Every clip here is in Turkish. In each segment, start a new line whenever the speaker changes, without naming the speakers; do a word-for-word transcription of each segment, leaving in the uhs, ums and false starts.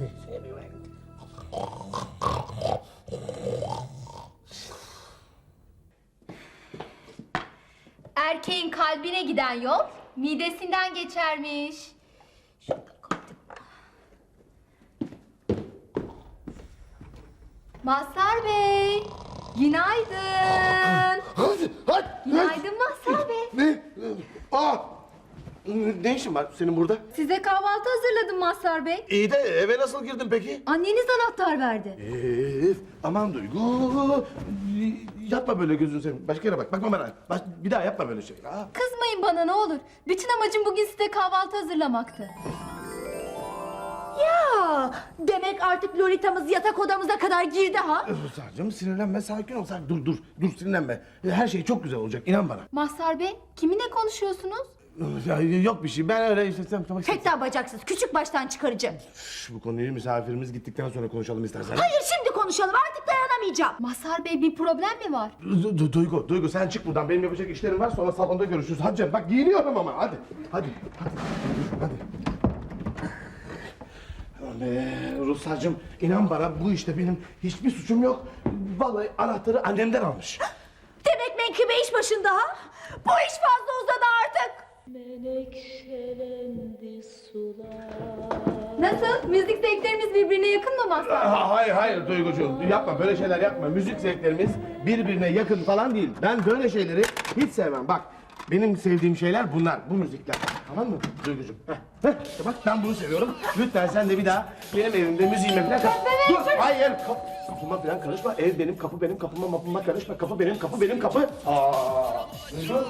Erkeğin kalbine giden yol midesinden geçermiş. Şurada koydum. Mazhar Bey, günaydın.
Hadi, hadi.
Günaydın Mazhar Bey.
Ne? Aa! Ne işin var senin burada?
Size kahvaltı hazırladım Mazhar Bey.
İyi de eve nasıl girdin peki?
Anneniz anahtar verdi.
Ee, aman Duygu. Yapma böyle gözünü seveyim. Başka yere bak. Bakma bana. Baş, bir daha yapma böyle şey. Aa.
Kızmayın bana ne olur. Bütün amacım bugün size kahvaltı hazırlamaktı.
Ya demek artık Lolita'mız yatak odamıza kadar girdi ha?
Ruslarcığım sinirlenme, sakin ol. Sakin. Dur, dur, dur sinirlenme. Her şey çok güzel olacak, inan bana.
Mazhar Bey, kiminle konuşuyorsunuz?
Ya, yok bir şey, ben öyle işte... Tamam, tamam.
Fettah bacaksız, küçük baştan çıkarıcı.
Şş, bu konuyu misafirimiz gittikten sonra konuşalım istersen.
Hayır şimdi konuşalım, artık dayanamayacağım.
Mazhar Bey, bir problem mi var?
Du- Du- Duygu, Duygu sen çık buradan. Benim yapacak işlerim var. Sonra salonda görüşürüz. Hadi canım, bak giyiniyorum ama. Hadi, hadi, hadi, hadi. Aman be, Ruslarcığım, inan bana bu işte benim hiçbir suçum yok. Vallahi anahtarı annemden almış.
Demek menkıbe iş başında ha? Bu iş fazla uzadı artık.
Menekşelendi sular.
Nasıl? Müzik zevklerimiz birbirine yakın mı Mazhar Bey?
Ha, hayır, hayır Duygucuğum. Yapma, böyle şeyler yapma. Müzik zevklerimiz birbirine yakın falan değil. Ben böyle şeyleri hiç sevmem. Bak, benim sevdiğim şeyler bunlar, bu müzikler. Tamam mı Duygucuğum? Heh, heh, işte bak ben bunu seviyorum. Lütfen sen de bir daha benim evimde müziğime falan karışma. Dur, hayır. Kap kapıma falan karışma. Ev benim, kapı benim, kapıma mapıma karışma. Kapı benim, kapı benim, kapı. Aa, Duygu.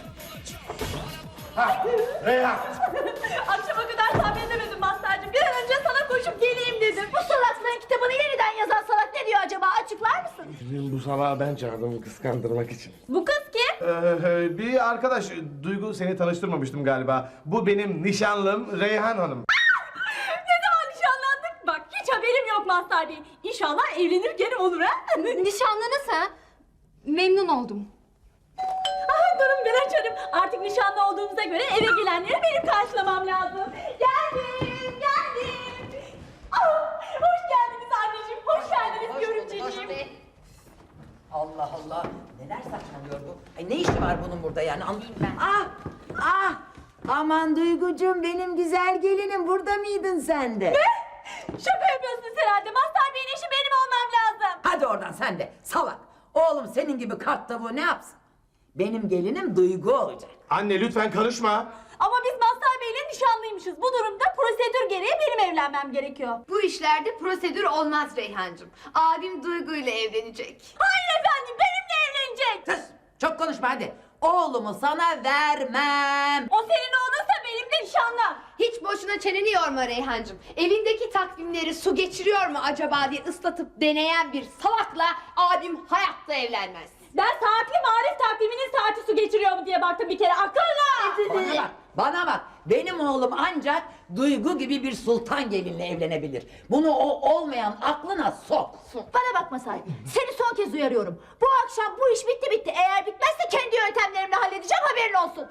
Ha, Reyhan.
Akşama kadar sabredemedim Mazhar'cığım. Bir an önce sana koşup geleyim dedim. Bu salaklığın kitabını yeniden yazan salak ne diyor acaba? Açıklar mısın?
Bu sabah ben çağırdım kıskandırmak için.
Bu kız kim?
Ee, bir arkadaş, Duygu seni tanıştırmamıştım galiba. Bu benim nişanlım Reyhan Hanım.
Ne zaman nişanlandık? Bak hiç haberim yok Mazhar Bey. İnşallah evlenir gene olur ha?
Nişanlınız ha? Memnun oldum.
Ah, durun ben açarım. Artık nişanlı olduğumuza göre eve gelenleri benim karşılamam lazım. Geldim, geldim. Ah, hoş geldiniz anneciğim, hoş geldiniz görümceciğim.
Allah Allah. Neler saçmalıyor bu? Ay ne işi var bunun burada yani anlayayım ben. Ah! Ah! Aman Duygucuğum benim güzel gelinim burada mıydın sen de?
Şaka yapıyorsunuz herhalde. Mazhar Bey'in eşi benim olmam lazım.
Hadi oradan sen de salak. Oğlum senin gibi kart tavuğu ne yapsın? Benim gelinim Duygu olacak.
Anne lütfen karışma.
Ama biz Mazhar Bey'le nişanlıymışız. Bu durumda prosedür gereği benim evlenmem gerekiyor.
Bu işlerde prosedür olmaz Reyhancığım. Abim Duygu ile evlenecek.
Hayır efendim, benimle evlenecek.
Sus! Çok konuşma hadi. Oğlumu sana vermem.
O senin oğlunsa benim de nişanlım.
Hiç boşuna çeneni yorma Reyhancığım. Evindeki takvimleri su geçiriyor mu acaba diye ıslatıp deneyen bir salakla abim hayatta evlenmez.
Ben saatli marif takviminin saati su geçiriyor mu diye baktım bir kere akıllı.
Bana bak, bana bak. Benim oğlum ancak Duygu gibi bir sultan gelinle evlenebilir. Bunu o olmayan aklına sok.
Bana bakma sahibi. Seni son kez uyarıyorum. Bu akşam bu iş bitti bitti. Eğer bitmezse kendi yöntemlerimle halledeceğim, haberin olsun.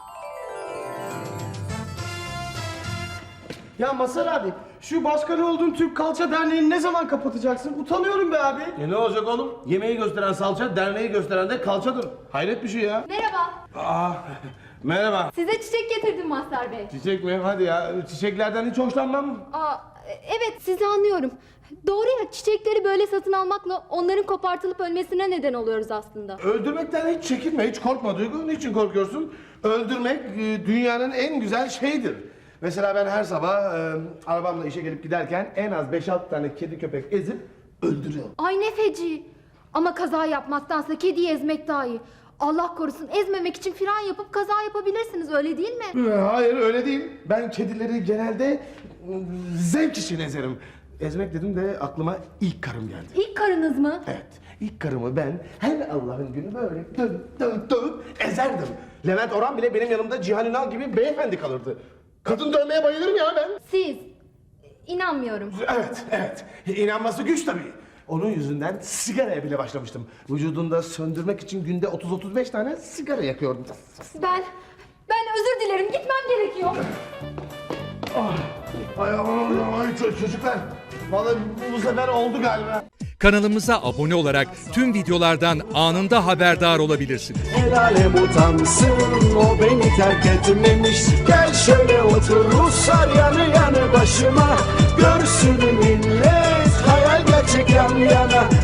Ya Mazhar abi, şu başkanı olduğun Türk Kalça Derneği'ni ne zaman kapatacaksın? Utanıyorum be abi.
E ne olacak oğlum? Yemeği gösteren salça, derneği gösteren de kalçadır. Hayret bir şey ya.
Merhaba.
Aa, merhaba.
Size çiçek getirdim Mazhar Bey.
Çiçek mi? Hadi ya. Çiçeklerden hiç hoşlanmam.
Aa, evet sizi anlıyorum. Doğru ya, çiçekleri böyle satın almakla onların kopartılıp ölmesine neden oluyoruz aslında.
Öldürmekten hiç çekinme, hiç korkma Duygu. Niçin korkuyorsun? Öldürmek e, dünyanın en güzel şeyidir. Mesela ben her sabah e, arabamla işe gelip giderken en az beş altı tane kedi köpek ezip öldürüyorum.
Ay ne feci. Ama kaza yapmaktansa kediyi ezmek daha iyi. Allah korusun, ezmemek için fren yapıp kaza yapabilirsiniz, öyle değil mi?
E, Hayır öyle değil. Ben kedileri genelde e, zevk için ezerim. Ezmek dedim de aklıma ilk karım geldi.
İlk karınız mı?
Evet, ilk karımı ben her Allah'ın günü böyle dövüp dövüp dövüp ezerdim. Levent Orhan bile benim yanımda Cihan Ünal gibi beyefendi kalırdı. Kadın dövmeye bayılırım ya ben.
Siz. İnanmıyorum.
Evet, evet. İnanması güç tabii. Onun yüzünden sigaraya bile başlamıştım. Vücudunda söndürmek için günde otuz otuz beş tane sigara yakıyordum.
Ben, ben özür dilerim, gitmem gerekiyor.
Ah, Ay aman ay ço- çocuklar. Vallahi bu, bu sefer oldu galiba.
Kanalımıza abone olarak tüm videolardan anında haberdar olabilirsiniz.
El alem utansın, o beni terk etmemiş. Gel şöyle otur Ruslar yanı yanı başıma. Görsün millet, hayal gerçek yan yana.